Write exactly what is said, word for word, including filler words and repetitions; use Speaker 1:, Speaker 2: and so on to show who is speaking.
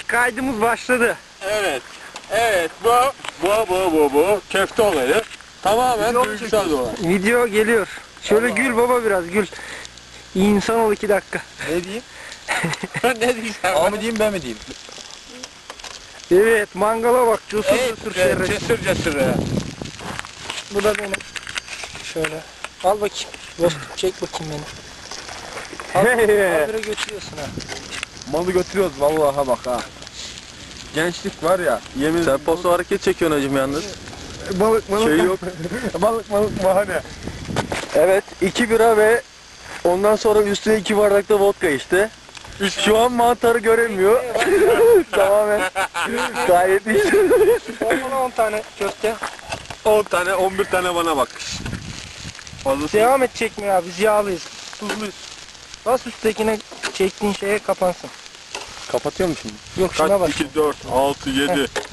Speaker 1: kaydımız başladı.
Speaker 2: Evet. Evet bu bu bu bu bu köfte olayı tamamen
Speaker 1: Video
Speaker 2: duygusal bir olay.
Speaker 1: Video geliyor. Şöyle
Speaker 2: Allah
Speaker 1: gül
Speaker 2: Allah.
Speaker 1: baba biraz gül. İyi insan ol iki dakika.
Speaker 3: Ne diyeyim?
Speaker 2: Ne diyeceğim?
Speaker 3: A mı diyeyim ben mi diyeyim?
Speaker 1: Evet mangala bak cesur
Speaker 2: Evet,
Speaker 1: cesur
Speaker 2: evet,
Speaker 1: şerret.
Speaker 2: cesur cesur ya.
Speaker 1: Bu da benim. Şöyle. Al bakayım. Dostum çek bakayım beni. Al, habire götürüyorsun ha.
Speaker 3: Malı götürüyoruz vallahi bak ha. Gençlik var ya, yemin
Speaker 4: Sen postu hareket çekiyorsun hacım yalnız.
Speaker 3: balık balık
Speaker 4: Şey yok.
Speaker 3: balık balık bahane.
Speaker 4: Evet, iki bira ve ondan sonra üstüne iki bardak da vodka işte. Şu an mantarı göremiyor. Tamamen gayet iyi.
Speaker 1: Bana on tane köfte.
Speaker 2: on tane on bir tane bana bak. Fazlası.
Speaker 1: Devam et çekmeye abi. Biz yağlıyız. Tuzluyuz. Bas üsttekine çektiğin şeye kapansın.
Speaker 4: Kapatıyor mu şimdi?
Speaker 1: Yok şuna
Speaker 2: Kaç?
Speaker 1: bak.
Speaker 2: iki, dört, altı, yedi,